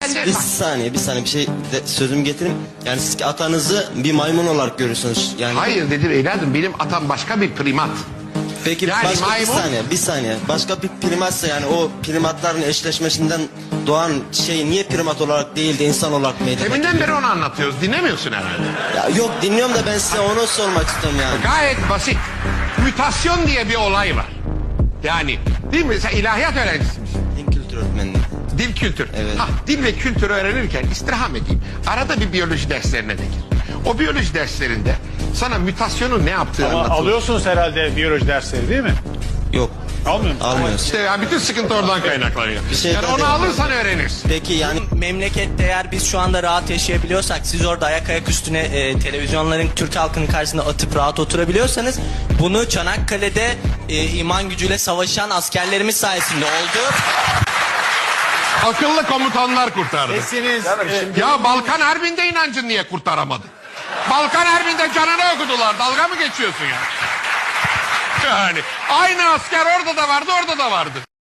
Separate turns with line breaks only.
Bir saniye bir şey sözüm getireyim. Yani siz atanızı bir maymun olarak görürsünüz. Yani
Hayır dedim evladım, benim atam başka bir primat.
peki
Yani
başka
maymun-
bir saniye. Başka bir primatsa yani o primatların eşleşmesinden doğan şey niye primat olarak değil de insan olarak meydana geliyor?
Deminden beri onu anlatıyoruz. Dinlemiyorsun herhalde.
Ya yok dinliyorum da ben size onu sormak istiyorum yani.
Gayet basit. Mütasyon diye bir olay var. Yani değil mi? Sen ilahiyat öğrencisi misin?
Din kültür öğretmenliği.
Dil kültür.
Evet.
Dil ve kültürü öğrenirken istirham edeyim. Arada bir biyoloji derslerine de gir. O biyoloji derslerinde sana mütasyonun ne yaptığı
Ama
anlatılır.
alıyorsunuz herhalde biyoloji dersleri değil mi?
Yok.
Almıyor musun?
Almıyoruz.
İşte ya bütün sıkıntı oradan kaynaklanıyor.
Bir şey
Yani
daha
onu
devam
alırsan öğrenirsin.
Peki yani
Memlekette eğer biz şu anda rahat yaşayabiliyorsak, siz orada ayak üstüne televizyonların Türk halkının karşısında atıp rahat oturabiliyorsanız, bunu Çanakkale'de iman gücüyle savaşan askerlerimiz sayesinde oldu.
Akıllı komutanlar kurtardı.
Sesiniz
Ya Balkan Harbi'nde inancın niye kurtaramadı? Balkan Harbi'nde canını okudular. Dalga mı geçiyorsun ya? Yani aynı asker orada da vardı, orada da vardı.